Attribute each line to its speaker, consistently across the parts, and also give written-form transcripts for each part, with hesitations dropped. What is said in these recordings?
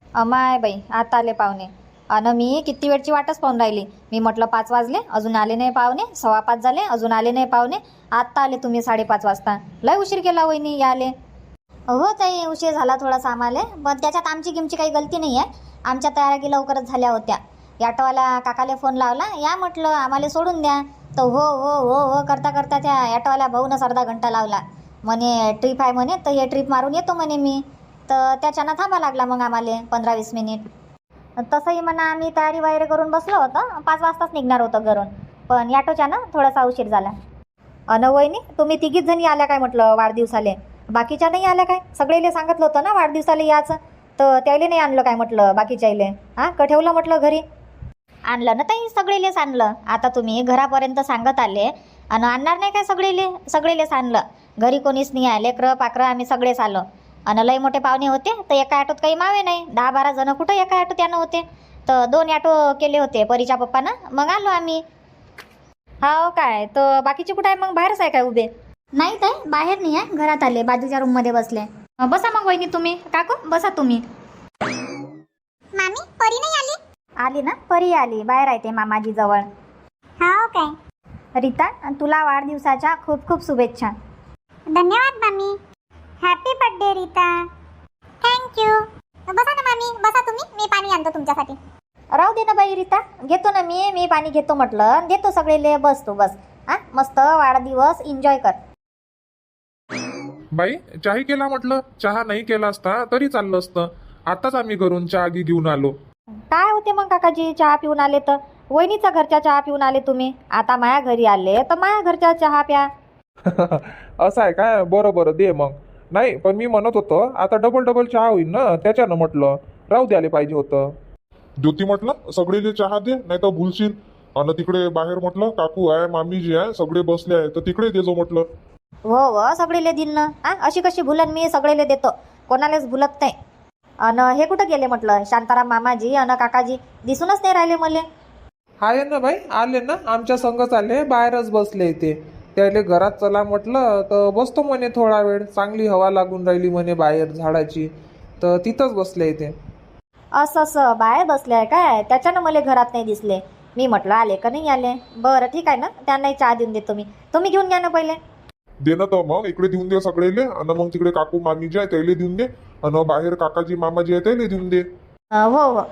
Speaker 1: अमाय बाई, आता आले पाहुणे. अन मी किती वेळची वाटच पाहून राहिली. मी म्हटलं 5 वाजले अजून आले नाही पाहुणे, 5:15 झाले अजून आले नाही पाहुणे. आत्ता आले तुम्ही 5:30 वाजता. लय उशीर केला वहिनी याले.
Speaker 2: हो ताई, उशीर झाला थोडासा आम्हाला, पण त्याच्यात आमची गिमची काही गलती नाही आहे. आमच्या तयारी लवकरच झाल्या होत्या. ॲटोवाला काकाले फोन लावला, या म्हटलं आम्हाला सोडून द्या. तर हो हो हो हो करता करता त्या ॲटोवाल्या भाऊनच अर्धा घंटा लावला. म्हणे ट्रिप आहे म्हणे, तर हे ट्रिप मारून येतो म्हणे मी. तर त्याच्यानं थांबा लागला मग आम्हाला 15-20 मिनिट. तसंही म्हणा आम्ही तयारी वगैरे करून बसलो होतो, 5 वाजताच निघणार होतो घरून, पण ॲटोच्यानं थोडासा उशीर झाला.
Speaker 1: अन वहिनी, तुम्ही तिघीच जणी आल्या काय म्हटलं वाढदिवसाले? बाकीच्या नाही आल्या काय? सगळेले सांगितलं होतं ना वाढदिवसाले याचं, तर त्याले नाही आणलं काय म्हटलं बाकीच्याले? हां, का ठेवलं म्हटलं घरी?
Speaker 2: आणलं ना ताई, सगळेलेच आणलं. आता तुम्ही घरापर्यंत सांगत आले आणि आणणार नाही काय? सगळेलेच आणलं. घरी कोणीच नाही आहे, लेकरं पाकरं आम्ही सगळेच आलो. आणि लय मोठे पाहुणे होते, तर एका ॲटोत काही मावे नाही. 10-12 जण कुठं एका ॲटोत यानं होते, तर 2 ॲटो केले होते परीच्या पप्पानं, मग आलो आम्ही.
Speaker 1: हो काय? तर बाकीचे कुठं आहे मग? बाहेरच आहे काय उभे?
Speaker 2: नाही ताई, बाहेर नाही आहे, घरात आले, बाजूच्या रूममध्ये बसले.
Speaker 1: बसा मग वहिनी तुम्ही. काकू बसा तुम्ही.
Speaker 2: मामी, परी नाही आली?
Speaker 1: आली ना, परी आली. बाहेर आहे ते मामाजी जवळ.
Speaker 2: हो काय?
Speaker 1: रीता, तुला वाढदिवसाच्या खूप खूप शुभेच्छा.
Speaker 2: धन्यवाद मामी. Happy birthday Rita. थँक्यू. बसा ना मामी, बसा तुम्ही, मी पाणी आणतो तुमच्यासाठी.
Speaker 1: राहू दे ना बाई रीता, घेतो ना मी पाणी घेतो म्हटलं, देतो सगळेले. बस तू बस. हा, मस्त वाढदिवस एन्जॉय कर.
Speaker 3: बाई, चहा केला म्हटलं. चहा नाही केला असता तरी चाललं असतं. आताच आम्ही घरून चहा घेऊन आलो.
Speaker 1: काय होते मग काकाजी, चहा पिऊन आले तर? वहिनीचा घरचा चहा पिऊन आले तुम्ही, आता माया घरी आले तर माया घरचा चहा प्या.
Speaker 3: असं आहे काय? बरं दे मग. नाही, पण मी म्हणत होतो आता डबल चहा होईल ना, त्याच्यानं म्हटलं राहू द्यायला पाहिजे होतं.
Speaker 4: ज्योती म्हटलं सगळेले चहा दे, नाही तर भुलशील. आणि तिकडे बाहेर म्हटलं काकू आहे, मामीजी आहे, सगळे बसले आहे, तर तिकडे दे जो म्हटलं.
Speaker 1: हो सगळेले दिन ना. अशी कशी भुलन मी? सगळेले देतो, कोणालाच भुलत नाही. अन हे कुठं गेले म्हटलं? शांताराम मामाजी अन काकाजी दिसूनच नाही राहिले मले.
Speaker 3: आहे ना बाई, आले ना, आमच्या संगच आले, बाहेरच बसले ते. त्याले घरात चला म्हटलं तर बसतो म्हणे थोडा वेळ, चांगली हवा लागून राहिली म्हणे बाहेर झाडाची, तर तिथंच बसले ते.
Speaker 1: असं बाहेर बसले आहे काय? त्याच्यानं मला घरात नाही दिसले. मी म्हटलं आले का नाही आले. बरं ठीक आहे ना, त्यांनाही चहा देऊन देतो मी. तुम्ही घेऊन घ्या ना पहिले.
Speaker 4: दे ना तर मग, इकडे देऊन दे सगळेले, आणि मग तिकडे काकू मामीजी आहे त्याला देऊन दे, आणि बाहेर काकाजी मामाजी आहे त्याला देऊन दे.
Speaker 1: हो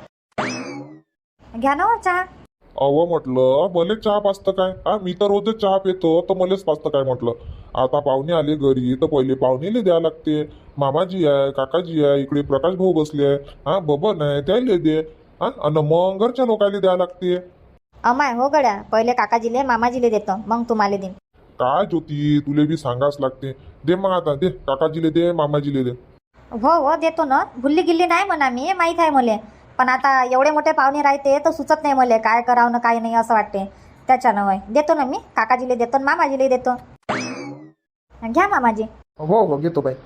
Speaker 1: घ्या ना चहा.
Speaker 4: अव म्हटलं मलेच चहा पाचतं काय? हा, मी तर रोजच चहा पितो, तर मलेच पाचतं काय म्हटलं? आता पाहुणे आले घरी तर पहिले पाहुणेले द्या लागते. मामाजी आहे, काकाजी आहे, इकडे प्रकाश भाऊ बसले आहे, हा बबन आहे त्याला दे. हा, आणि मग घरच्या लोकांना द्या लागते.
Speaker 1: अमाय हो गड्या, पहिले काकाजीले मामाजीले देतो, मग तुम्हाला देईन.
Speaker 4: काय ज्योती, तुले बी सांगाच लागते. दे मग आता, दे काकाजीले दे, मामाजीले दे.
Speaker 1: हो देतो ना, भुल्ली गिल्ली नाही म्हणा, मी माहीत आहे मले. पण आता एवढे मोठे पाहुणे राहते तर सुचत नाही मले काय करावं ना काय नाही असं वाटते. त्याच्यानं वय देतो ना मी, काकाजीले देतो, मामाजीले देतो. घ्या मामाजी.
Speaker 3: हो घेतो बाई.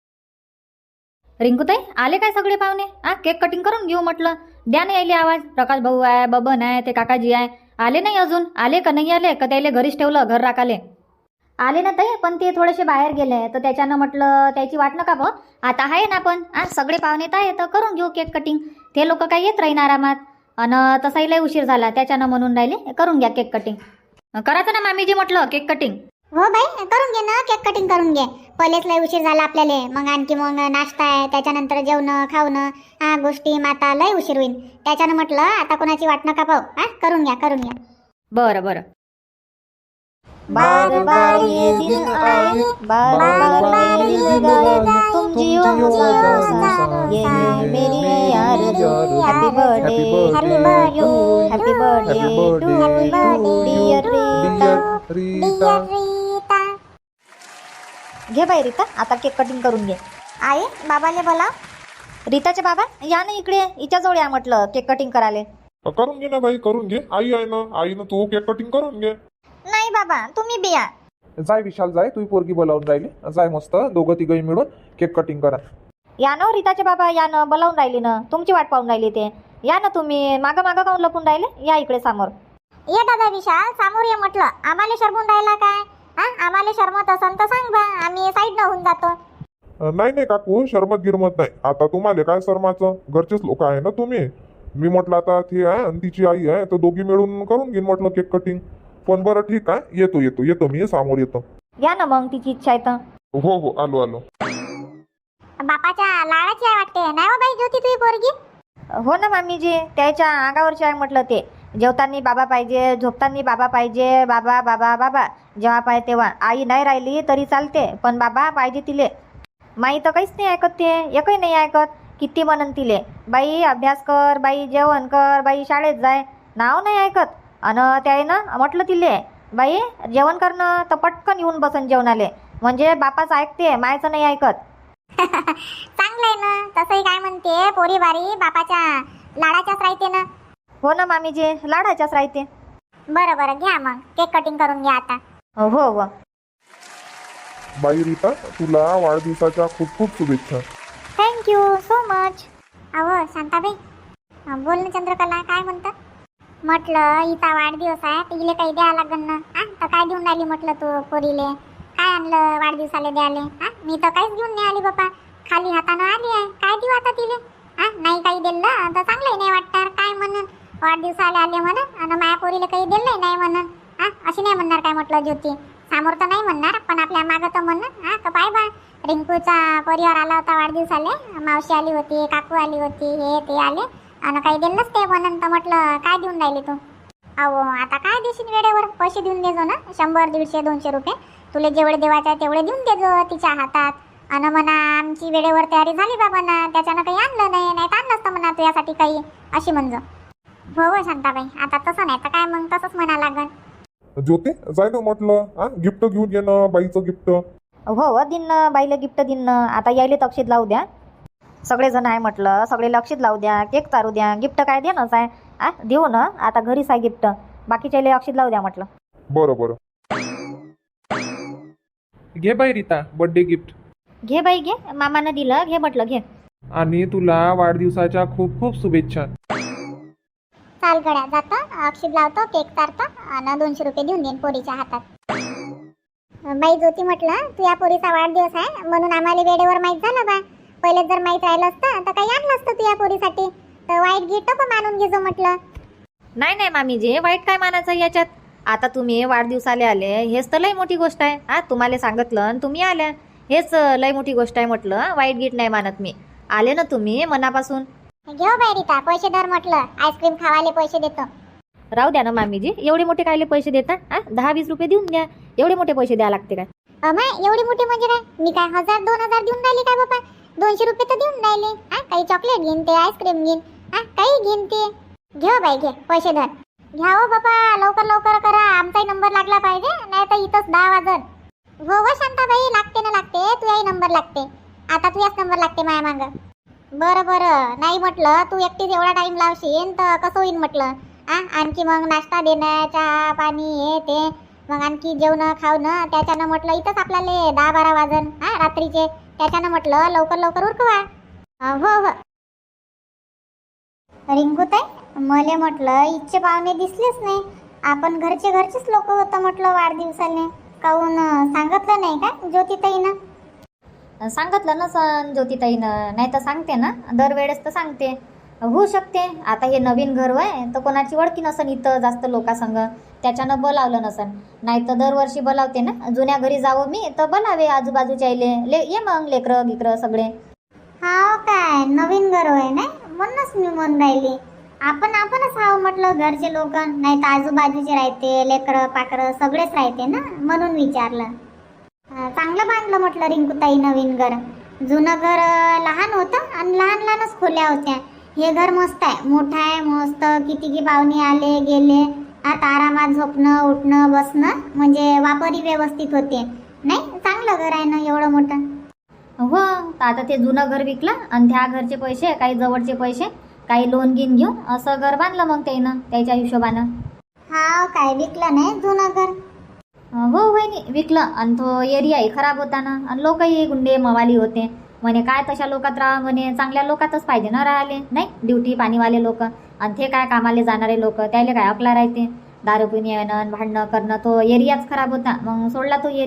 Speaker 1: रिंकूताई, आले काय सगळे पाहुणे? केक कटिंग करून घेऊ म्हटलं. द्या नाही आले आवाज. प्रकाश भाऊ आहे, बबन आहे, ते काकाजी आहे, आले नाही अजून. आले का नाही आले का त्याला घरीच ठेवलं घर राखाले?
Speaker 2: आले ना ताई, पण ते थोडेसे बाहेर गेले, तर त्याच्यानं म्हटलं त्याची वाट नका भाऊ. आता आहे ना आपण, सगळे पाहुणे तर आहे, तर करून घेऊ केक कटिंग. ते लोक काही येत राहीन आरामात, आणि तसाही लय उशीर झाला, त्याच्यानं म्हणून राहिले करून घ्या केक कटिंग.
Speaker 1: करायचं ना मामीजी म्हटलं केक कटिंग.
Speaker 2: हो बाई, करून घे ना केक कटिंग करून घे. पहिलेच लय उशीर झाला आपल्याला, मग आणखी मग नाश्ता आहे, त्याच्यानंतर जेवण खावणं गोष्टी माता लय उशीर होईल. त्याच्यानं म्हटलं आता कोणाची वाट नका पाहू, करून घ्या.
Speaker 1: बरं. बार बार ये दिन आए, बार बार ये दिल गाए, तुम जियो हजारों ये है मेरी आरज़ू. Happy birthday to you, happy birthday to dear Rita. घे बाई रीता, आता केक कटिंग करून घे.
Speaker 2: आई, बाबाले बोला.
Speaker 1: रीताचे बाबा या ना इकडे, हिच्या जवळ या म्हटलं केक कटिंग करायला.
Speaker 4: करून घे ना बाई, करून घे. आई आहे ना, आईनं तू केक कटिंग करून घे.
Speaker 2: नाही बाबा, तुम्ही बिया.
Speaker 3: जाय विशाल, जाय, तू पोरगी बोलावून राहिली, जाय मस्त दोघं तिघही मिळून केक कटिंग करा.
Speaker 1: या ना रीताचे बाबा, या ना, बोलावून राहिली ना, तुमची वाट पाहून राहिली ते. या ना तुम्ही, मागं काऊन लपून राहिले? या इकडे समोर.
Speaker 2: ये दादा विशाल, समोर ये म्हटलं. आम्हाला शरमून राहिला काय? आम्हाला शरमत असन तर सांग बा, आम्ही साईड न होऊन जातो.
Speaker 4: नाही नाही काकू, शरमत गिरमत नाही. आता तुम्हाला काय शरमाचं, घरचेच लोक आहे ना तुम्ही. मी म्हटलं आता ती आहे आणि तिची आई आहे, तर दोघी मिळून करून घेईन म्हटलं केक कटिंग. पण बरं ठीक आहे, येतो येतो येतो मी समोर येतो.
Speaker 2: या ना मग, तिची इच्छा आहे तर.
Speaker 4: हो हो, आलो आलो.
Speaker 1: बापाच्या लाडाची आहे वाटते, नाही हो बाई ज्योती तुझी पोरगी?
Speaker 2: हो ना मामीजी, त्याच्या अंगावरचे आहे म्हटलं ते. जेवताना बाबा पाहिजे, झोपताना बाबा पाहिजे, बाबा बाबा बाबा जेव्हा पाहिजे तेव्हा. आई नाही राहिली तरी चालते, पण बाबा पाहिजे तिले. माई तर काहीच नाही ऐकत, ते एकही नाही ऐकत. किती म्हणन तिले, बाई अभ्यास कर, बाई जेवण कर, बाई शाळेत जाय, नाव नाही ऐकत. अन त्यानं म्हटलं तिले, बाई जेवण करणं, तर पटकन येऊन बसन जेवणाले. म्हणजे बापाचं ऐकते, मायचं नाही ऐकत.
Speaker 1: चांगलं आहे ना. तसंही काय म्हणते, पोरी बारी बापाच्या लाडाच्याच राहते ना.
Speaker 2: हो ना मामीजी, लाडाच्याच राहते.
Speaker 1: बरं बरं, घ्या मग केक कटिंग करून घ्या आता.
Speaker 2: हो हो.
Speaker 4: बाई रीता, तुला वाढदिवसाच्या खूप खूप शुभेच्छा.
Speaker 2: Thank you so much.
Speaker 1: अहो शांताबाई, बोल ना चंद्रकला, काय म्हणतात? म्हटलं हिचा वाढदिवस आहे, तर हिला काही द्यावं लागेल ना. तर काय देऊन राहिली म्हटलं तू पोरीले? काय आणलं वाढदिवसाला द्याले? मी तर काहीच घेऊन नाही आली बापा, खाली हातानं आली आहे. काय देऊ आता तिले? नाही काही दिलं तर चांगलंही नाही वाटणार. काय म्हणून वाढदिवसाला आले म्हणून आणि माझ्या पोरीला काही दिलंही नाही म्हणून. अशी नाही म्हणणार काय म्हटलं ज्योती? समोर तर नाही म्हणणार, पण आपल्या मागं तर म्हणून. तर पाय बा, रिंकूचा परिवार आला होता वाढदिवसाले, मावशी आली होती, काकू आली होती, हे ते आले आणि काही दिलंच ते म्हणून. तर म्हटलं काय देऊन राहिली तू? अहो आता काय देशील, वेळेवर पैसे देऊन देजो ना, 100 150 200 रुपये. तुला जेवढे देवाचे आहे तेवढे देऊन देजो तिच्या हातात. आणि म्हणा आमची वेळेवर तयारी झाली बाबा ना, त्याच्यानं काही आणलं नाही, नाही तर आणलं असतं म्हणा तुझ्यासाठी काही, अशी म्हणजो. हो हो शांताबाई, आता तसं नाही तर काय मग तसंच म्हणा लागल.
Speaker 4: ज्योती जाय ना म्हटलं, गिफ्ट घेऊन ये ना, बाईचं गिफ्ट.
Speaker 2: हो दिन बाईला गिफ्ट दिन. आता यायले तक्षीत लावू द्या, सगळेजण आहे म्हटलं, सगळे लक्षित लावू द्या, केक चारू द्या. गिफ्ट काय देणंच आहे, देऊ ना. आता घरीच आहे गिफ्ट, बाकीच्या अक्षित लावू द्या म्हटलं.
Speaker 4: बरं बरं.
Speaker 3: घे बाई रीता, बर्थडे गिफ्ट.
Speaker 2: घे बाई घे, मामानं दिलं, घे म्हटलं घे.
Speaker 3: आणि तुला वाढदिवसाच्या खूप खूप शुभेच्छा.
Speaker 1: चाल गड्या, जातो अक्षित लावतो, केक चारतो आणि 200 रुपये देऊन देईन पोरीच्या हातात. बाई ज्योती, म्हटलं तू या पोरीचा वाढदिवस आहे म्हणून आम्हाला वेळेवर माहीत झालं बा. पहिले जर माहीत राहिलं असतं तर काही आणलं असतं तू या पोरीसाठी. तर वाईट गिफ्ट पण मानून घेजो म्हटलं.
Speaker 2: नाही नाही मामीजी, वाईट काय मानायचं याच्यात? आता तुम्ही वाढदिवसाला आले, हेच तर लई मोठी गोष्ट आहे. तुम्हाला सांगितलं आणि तुम्ही आल्या, हेच लई मोठी गोष्ट आहे म्हटलं. वाईट गिफ्ट नाही मानत मी. आले ना तुम्ही मनापासून.
Speaker 1: घेऊ बाई रीता, पैसे धर म्हटलं, आईस्क्रीम खावाले पैसे देतो.
Speaker 2: राहू द्या ना मामीजी, एवढे मोठे कायले पैसे देता? 10-20 रुपये देऊन द्या, एवढे मोठे पैसे द्या लागते काय?
Speaker 1: अमाय एवढी मोठी म्हणजे काय? मी काय 1000-2000 देऊन राहिली काय बाबा? 200 रुपये तर देऊन राहिले. काही चॉकलेट घेईन, ते आईस्क्रीम घेईन, काही घेईन ते. घे बाई घे, पैसे धर. घ्या हो बाबा, लवकर लवकर करा, आमचाही नंबर लागला पाहिजे, नाही तर इथंच 10 वाजन. हो व शांताबाई, लागते ना लागते, तुझाही नंबर लागते. आता तुझ्याच नंबर लागते माया मागं. बरं बरं, नाही म्हटलं तू एकटीच एवढा टाइम लावशील तर कसं होईन म्हटलं. आणखी मग नाश्ता देणं, चहा पाणी हे ते, मग आणखी जेवणं खावणं, त्याच्यानं म्हटलं इथंच आपल्याला 10-12 वाजन रात्रीचे. त्याच्यानं म्हटलं लवकर लवकर उरकवा. हो हो. रिंकूताई, मले म्हटलं इच्छे पाहुणे दिसलेच नाही. आपण घरचेच लोक होतं म्हटलं वाढदिवसाले. काहून सांगितलं नाही का ज्योतिताईनं?
Speaker 2: सांगितलं ना सण ज्योतिताईनं, नाही तर सांगते ना, दरवेळेस तर सांगते. होऊ शकते आता हे नवीन घर आहे तर कोणाची ओळखी नसन इथं जास्त लोकांसंग, त्याच्यानं बोलावलं नसन. नाही तर दरवर्षी बोलावते ना. जुन्या घरी जावं मी तर बोलावे आजूबाजूच्या ये मग लेकरं गिकरं सगळे.
Speaker 1: हा काय नवीन घर आहे ना, म्हणूनच मी म्हणून राहिली. आपणच हाव म्हटलं, घरचे लोक नाही तर आजूबाजूचे राहते, लेकरं पाकरं सगळेच राहते ना, म्हणून विचारलं. चांगलं बांधलं म्हटलं रिंकूताई नवीन घर. जुनं घर लहान होतं आणि लहानच खोल्या होत्या. हे घर मस्त आहे, मोठं आहे, मस्त. किती पाहुणे आले गेले, आता आरामात झोपणं उठणं बसणं म्हणजे वापरही व्यवस्थित होते. नाही चांगलं घर आहे ना एवढं मोठं.
Speaker 2: हो, तर आता ते जुनं घर विकलं आणि त्या घरचे पैसे, काही जवळचे पैसे, काही लोन घेऊन असं घर बांधलं मग त्यानं त्याच्या हिशोबानं.
Speaker 1: हा काय विकलं नाही जुनं घर?
Speaker 2: हो वहिनी, विकलं. आणि तो एरियाही खराब होता ना, आणि लोकही गुंडे मवाली होते. म्हणे काय तशा लोकात राहा म्हणे, चांगल्या लोकातच पाहिजे ना राहिले. नाही ड्युटी पाणीवाले लोक, आणि ते काय कामाले जाणारे लोक, त्याला काय अकला राहते दारू पिऊन येणं भांडणं करणं. तो एरियाच खराब होता, मग सोडला तो एरिया.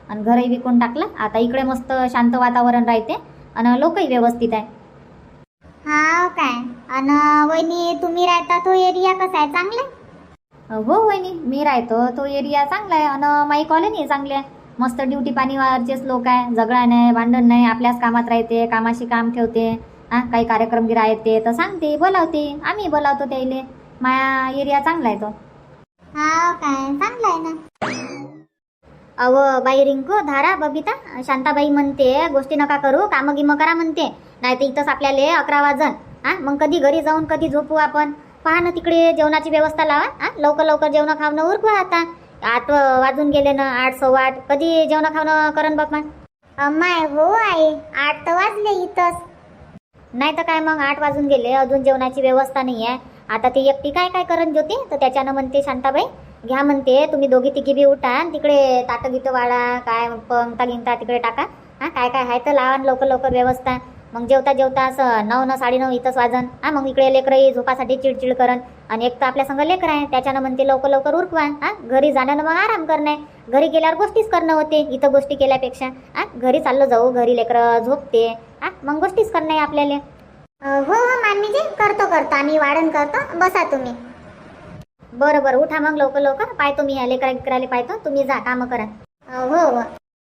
Speaker 2: आणि घरही विकून टाकलं. आता इकडे मस्त शांत वातावरण राहते आणि लोकही व्यवस्थित आहे.
Speaker 1: हा काय? अन वहिनी तुम्ही राहता तो एरिया कसा आहे? चांगला आहे?
Speaker 2: हो वहिनी, मी राहतो तो एरिया चांगला आहे आणि माई कॉलनी चांगली आहे. मस्त ड्युटी पाणीवरचेच लोक आहे. झगडा नाही, भांडण नाही, आपल्याच कामात राहते, कामाशी काम ठेवते. काही कार्यक्रम गिरा येते तर सांगते, बोलावते, आम्ही बोलावतो त्याइले. माया एरिया चांगला आहे तो.
Speaker 1: हा काय? चांगला आहे ना.
Speaker 2: अव बाई रिंकू, धारा, बबिता, शांताबाई म्हणते गोष्टी नका करू, कामं गिमं करा म्हणते. नाही तर इथंच आपल्याला 11 वाजन. मग कधी घरी जाऊन कधी झोपू आपण. पहा ना तिकडे जेवणाची व्यवस्था लावा. लवकर लवकर जेवण खावणं उरकवा. आता 8 वाजून गेले ना, 8 सव्वा 8. कधी जेवण खावणं करण बाप्पा?
Speaker 1: अम्माय हो आई, 8 तर वाजले इथंच.
Speaker 2: नाही तर काय मग, 8 वाजून गेले, अजून जेवणाची व्यवस्था नाही आहे. आता ती एकटी काय काय करण ज्योती? तर त्याच्यानं म्हणते शांताबाई, घ्या म्हणते तुम्ही दोघी तिघी बी उठा आणि तिकडे ताटं गीतं वाढा, काय पंगता गिंगता तिकडे टाका. काय काय आहे तर लावा लवकर लवकर व्यवस्था. मग जेवता जेवता असं 9 9:30 इथंच वाजन. मग इकडे लेकरही झोपासाठी चिडचिड करण. आणि एक तर आपल्या संग लेकर आहे, त्याच्यानं म्हणते लवकर लवकर उरकवा. घरी जाण्यानं मग आराम करणे. घरी गेल्यावर गोष्टीच करणं होते इथं गोष्टी केल्यापेक्षा. घरी चाललो जाऊ, घरी लेकरं झोपते, मग गोष्टीच करणं आहे आपल्याला.
Speaker 1: हो हो मामीजी, करतो आम्ही वाढण करतो. बसा तुम्ही.
Speaker 2: बरं बरं, उठा मग लवकर लवकर. पाहतो मी लेकराला पाहतो, तुम्ही जा कामं करा.
Speaker 1: हो हो.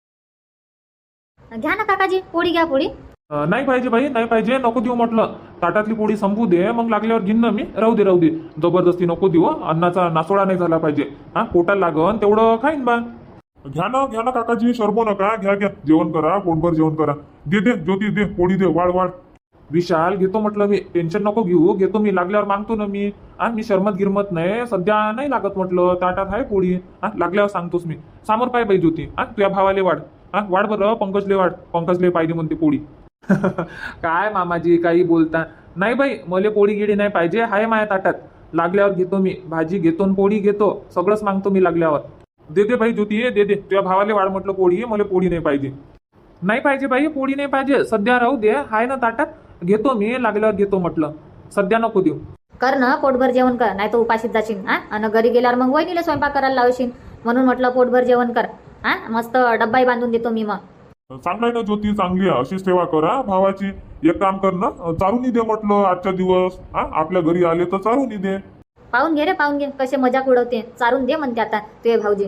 Speaker 2: घ्या ना काकाजी, पोळी घ्या पोळी.
Speaker 3: नाही पाहिजे बाई, नाही पाहिजे, नको देऊ म्हटलं. ताटातली पोळी संपू दे, मग लागल्यावर घेईन ना मी. राहू दे, जबरदस्ती नको देऊ. अन्नाचा नासोडा नाही झाला पाहिजे. पोटाला लागन तेवढं खाईन बा.
Speaker 4: घ्या ना काकाजी, शरबो नका. घ्या जेवण करा, पोटभर जेवण करा. दे ज्योती, दे पोळी, दे वाढ.
Speaker 3: विशाल, घेतो म्हटलं मी, टेन्शन नको घेऊ, घेतो मी. लागल्यावर मागतो ना मी. मी शरमत गिरमत नाही, सध्या नाही लागत म्हटलं. ताटात आहे पोळी. लागल्यावर सांगतोस मी. समोर पाय बाई ज्योती, तुझ्या भावाले वाढ. वाढ बरं, पंकजले वाढ. पंकजले पाहिजे म्हणते पोळी. काय मामाजी काही बोलता? नाही बाई, मले पोळी गिडी नाही पाहिजे, हाय माया ताटात. लागल्यावर घेतो मी. भाजी घेतो, पोळी घेतो, सगळंच मागतो मी लागल्यावर. दे बाई ज्योती, दे तुझ्या भावाले वाढ म्हटलं पोळी. मला पोळी नाही पाहिजे. नाही पाहिजे बाई, पोळी नाही पाहिजे. सध्या राहू दे, हाय ना ताटात. घेतो मी, लागल्यावर घेतो म्हटलं. सध्या नको देऊ.
Speaker 2: कर ना, पोटभर जेवण कर, नाही तर उपाशीच जाशील. आणि घरी गेल्यावर मग वहिनीला स्वयंपाक करायला लावशील. म्हणून म्हटलं पोटभर जेवण कर. मस्त डब्बाही बांधून देतो मी मग.
Speaker 4: चांगलं आहे ना ज्योती, चांगली आहे. अशीच सेवा करा भावाची. एक काम कर ना, चारूनी दे म्हटलं आजच्या दिवस. आपल्या घरी आले तर चारूनी दे.
Speaker 2: पाहून घे रे, पाहून घे कसे मजाक उडवते. चारून दे म्हणते आता तुझे भाऊजी.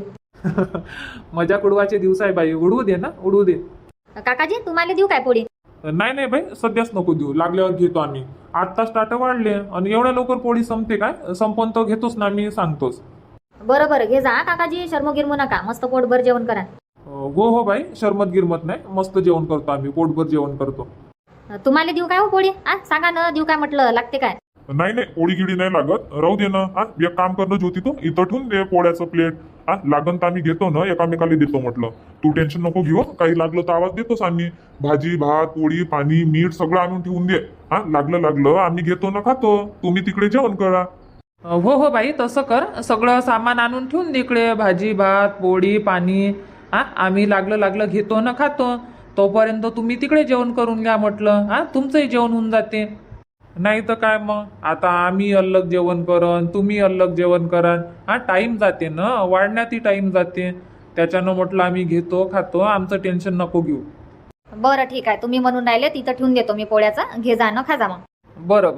Speaker 3: मजाक उडवायचे दिवस आहे बाई, उडवू दे ना, उडवू दे.
Speaker 2: काकाजी, तुम्हाला देऊ काय पोळी?
Speaker 3: नाही बाई, सध्याच नको देऊ. लागल्यावर घेतो आम्ही. 8 तास ताटं वाढले आणि एवढ्या लवकर पोळी संपते काय? संपवून तर घेतोच ना मी, सांगतोच.
Speaker 2: बरं घे जा काकाजी, शर्मो गिरमू नका. मस्त पोटभर जेवण करा.
Speaker 3: हो बाई, शरमत गिरमत नाही, मस्त जेवण करतो आम्ही, पोटभर जेवण करतो.
Speaker 2: तुम्हाला देऊ काय हो पोळी? सांगा ना, देऊ काय म्हटलं, लागते काय?
Speaker 4: नाही पोळी गिडी नाही लागत, राहू दे ना. एक काम कर ना ज्योती, तू इथं ठेवून दे पोळ्याचं प्लेट. लागन तर आम्ही घेतो ना, एकामेकाला देतो म्हटलं. तू टेन्शन नको घेऊ. काही लागलं तर आवाज देतोच आम्ही. भाजी भात पोळी पाणी मीठ सगळं आणून ठेवून दे. लागलं आम्ही घेतो ना, खातो. तुम्ही तिकडे जेवण करा.
Speaker 3: हो बाई, तसं कर. सगळं सामान आणून ठेवून दे इकडे. भाजी भात पोळी पाणी. आम्ही लागलं घेतो ना, खातो. तोपर्यंत तुम्ही तिकडे जेवण करून घ्या म्हटलं. तुमचंही जेवण होऊन जाते. नाही तर काय मग, आता आम्ही अलग जेवण करन, तुम्ही अलग जेवण करन. टाइम जाते ना, वाढण्यातही टाइम जाते. त्याच्यानं म्हटलं आम्ही घेतो खातो, आमचं टेन्शन नको घेऊ.
Speaker 2: बरं ठीक आहे, तुम्ही म्हणून राहिले तिथं ठेवून देतो मी पोळ्याचा. घे जा ना, खा जा मग.
Speaker 3: बरं.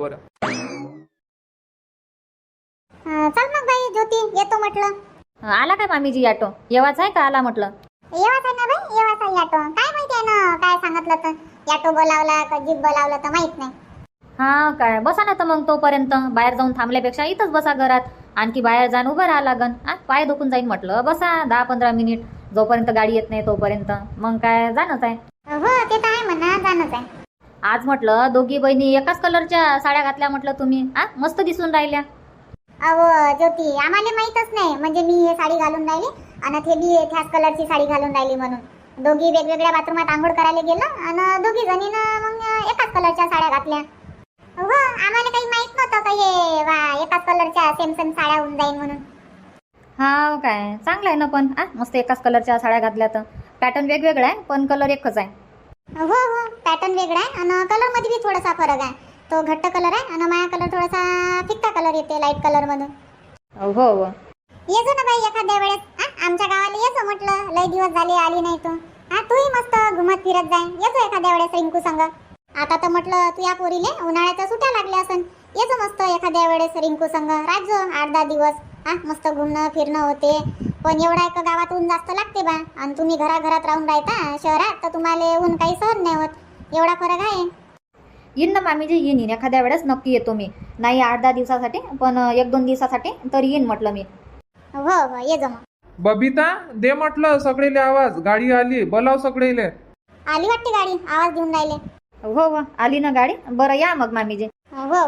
Speaker 1: चल मग बाई ज्योती, येतो म्हटलं.
Speaker 2: आला काय मामीजी ऑटो? येवाच आहे का आला म्हटलं?
Speaker 1: येवाच आहे ना बाई, येवाच आहे ऑटो. काय माहिती आहे ना, काय सांगितलं तर ऑटो बोलावला का जीप बोलावला तर माहित नाही.
Speaker 2: काय बसा ना तर मग. तोपर्यंत बाहेर जाऊन थांबल्यापेक्षा इथंच बसा घरात. आणखी बाहेर जाऊन उभं राहा लागन. पाय दुखून जाईन म्हटलं. बसा 10-15 मिनिट, जोपर्यंत गाडी येत नाही तोपर्यंत. मग काय जाणंच आहे.
Speaker 1: हो ते तर आहे म्हणा, जाणंच आहे.
Speaker 2: आज म्हटलं दोघी बहिणी एकाच कलरच्या साड्या घातल्या म्हटलं तुम्ही. मस्त दिसून राहिल्या.
Speaker 1: अहो ज्योती, आम्हाला माहीतच नाही. म्हणजे मी हे साडी घालून राहिली आणि ते बी त्याच कलरची साडी घालून राहिली म्हणून. दोघी वेगवेगळ्या बाथरूमात आंघोळ करायला गेलं आणि दोघी जणीनं मग एकाच कलरच्या साड्या घातल्या. हो, आम्हाला काही माहित नव्हतं का हे एकाच कलरच्या सेम साड्या होऊन जाईल म्हणून.
Speaker 2: काय चांगलं आहे ना पण. मस्त एकाच कलरच्या साड्या घातल्या तर. पॅटर्न वेगवेगळा आहे पण कलर एकच आहे.
Speaker 1: हो पॅटर्न वेगळा आहे आणि कलर मध्ये बी थोडासा फरक आहे. तो घट्ट कलर आहे आणि माझा कलर थोडासा फिक्का कलर येते, लाईट कलर मधून.
Speaker 2: हो
Speaker 1: ये जो ना बाई एखाद्या वेळेस.
Speaker 5: आमच्या गावाला येतो म्हटलं, लय दिवस झाले आली नाही तू. हा तूही मस्त घुमत फिरत जाय, येतो एखाद्या वेळेस रिंकू संग. आता तर म्हटलं तू या पोरीले उन्हाळ्याच्या सुट्ट्या लागल्या असन, येतो मस्त एखाद्या वेळेस रिंकू संग राजो 8-10 दिवस. हा मस्त घुमणं फिरणं होते. पण एवढा एक गावात ऊन जास्त लागते बा, आणि तुम्ही घराघरात राहून राहता शहरात, तर तुम्हाला ऊन काही सहन नाही होत. एवढा फरक आहे.
Speaker 2: येईन ना मामीजी, येईन एखाद्या वेळेस नक्की येतो मी. नाही 8-10 दिवसासाठी, पण 1-2 दिवसासाठी तर येईन म्हटलं मी.
Speaker 5: हो हो ये जा मग.
Speaker 3: बबिता दे म्हटलं सगळेले आवाज, गाडी आली, बोलाव सगळेले.
Speaker 5: आली वाटते गाडी, आवाज देऊन राहिले.
Speaker 2: हो हो आली ना गाडी. बरं या मग मामीजी.
Speaker 5: हो हो.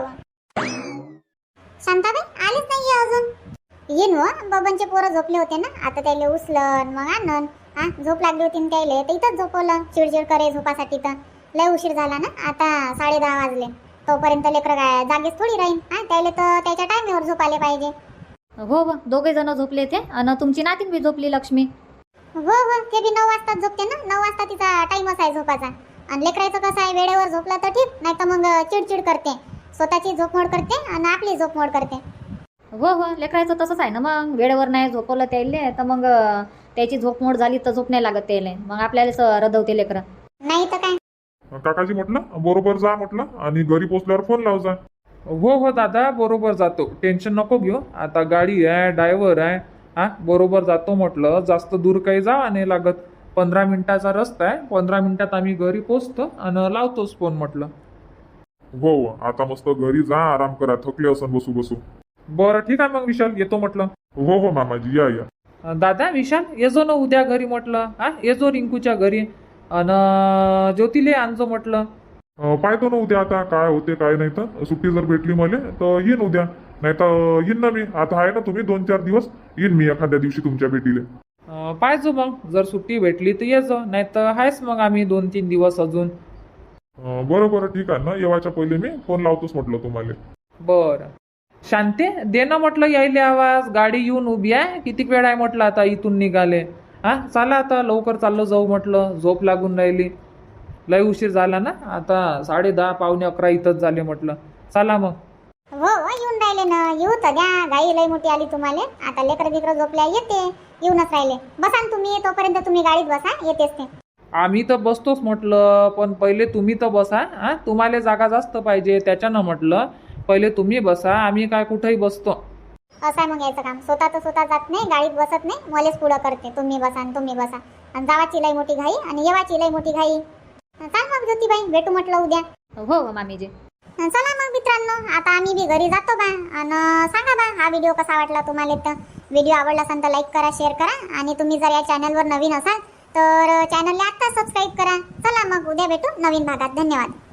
Speaker 5: शांताबाई आलीच नाहीये अजून. येईन हो, बबनचे पोरं झोपले होते ना, आता त्याला उचलन मग आणन. हा झोप लागली होती ना त्याला, तर इथंच झोपवलं. चिडचिड करे झोपासाठी, तर लय उशीर झाला ना, आता 10:30 वाजले. तोपर्यंत लेकरं काय जागेच थोडी राहीन. हा त्याला तर त्याच्या टायमेवर झोपायला पाहिजे.
Speaker 2: हो हो दोघे जण झोपले ते, आणि तुमची नातीन बी झोपली लक्ष्मी.
Speaker 5: हो हो ते बी 9 वाजताच झोपते ना, 9 वाजता तिचा टाइमच आहे झोपाचा. आणि लेकरायचं कसं आहे, वेळेवर झोपलं तर ठीक, नाही तर मग चिडचिड करते, स्वतःची झोपमोड करते आणि आपली झोपमोड करते.
Speaker 2: हो हो लेकरायचं तसंच आहे ना, मग वेळेवर नाही झोपवलं त्याले तर मग त्याची झोपमोड झाली तर झोप नाही लागत त्याले, मग आपल्याला रडवते लेकरं.
Speaker 5: नाही तर काय.
Speaker 4: काकाजी म्हटलं बरोबर जा म्हटलं, आणि घरी पोचल्यावर फोन लाव जा.
Speaker 3: हो हो दादा बरोबर जातो, टेन्शन नको घेऊ. आता गाडी आहे, ड्रायव्हर आहे. हा बरोबर जातो म्हटलं, जास्त दूर काही जावा नाही लागत. 15 मिनिटाचा रस्ता आहे, 15 मिनिटात आम्ही घरी पोचतो आणि लावतोच फोन म्हटलं.
Speaker 4: हो आता मस्त घरी जा, आराम करा, थकले असन बसू बसू.
Speaker 3: बरं ठीक आहे मग विशाल, येतो म्हटलं.
Speaker 4: हो हो मामाजी या या.
Speaker 3: दादा विशाल येजो ना उद्या घरी म्हटलं. हा येजो रिंकूच्या घरी, आणि ज्योतिले आणजो म्हटलं.
Speaker 4: पाहतो ना उद्या आता काय होते काय नाही, तर सुट्टी जर भेटली मला तर येईन उद्या, नाही तर येईन ना मी. आता आहे ना तुम्ही 2-4 दिवस, येईन मी एखाद्या दिवशी तुमच्या भेटीले.
Speaker 3: पाहिजो मग, जर सुट्टी भेटली तर येजो, नाही तर आहेच मग आम्ही 2-3 दिवस अजून.
Speaker 4: बरं बरं ठीक आहे ना, येवायच्या पहिले मी फोन लावतोच म्हटलं तुम्हाला.
Speaker 3: बरं शांते दे ना म्हटलं यायले आवाज, गाडी येऊन उभी आहे. किती वेळ आहे म्हटलं आता इथून निघाले. हा चला आता लवकर चाललो जाऊ म्हटलं, झोप लागून राहिली, लय उशीर झाला ना. आता 10:30 पावणे 11 इथंच झाले म्हटलं. चला मग.
Speaker 5: हो हो येऊन राहिले ना, येऊ तर द्या. गाई लय मोठी आली तुम्हाला, आता लेकर बिकर झोपल्या येते, येऊनच राहिले. बसा ना तुम्ही, तोपर्यंत तुम्ही गाडीत बसा, येतेच ते.
Speaker 3: आम्ही तर बसतोच म्हटलं, पण पहिले तुम्ही तर बसा. हा तुम्हाला जागा जास्त पाहिजे त्याच्यानं म्हटलं पहिले तुम्ही बसा, आम्ही काय कुठेही बसतो.
Speaker 5: असं आहे मग यायचं काम. स्वतः तर स्वतः जात नाही, गाडीत बसत नाही, मलेच पुढं करते. तुम्ही बसा आणि तुम्ही बसा, आणि जावाची लय मोठी घाई आणि येवाची लय मोठी घाई. चाल मग ज्योतिबाई, भेटू म्हटलं उद्या.
Speaker 2: हो हो मामीजी.
Speaker 5: चला मग मित्रांनो, आता आम्ही बी घरी जातो बा. आणि सांगा बा हा व्हिडिओ कसा वाटला तुम्हाला. तर व्हिडिओ आवडला असेल तर लाईक करा, शेअर करा, आणि तुम्ही जर या चॅनलवर नवीन असाल तर चॅनलला आत्ता सबस्क्राईब करा. चला मग उद्या भेटू नवीन भागात. धन्यवाद.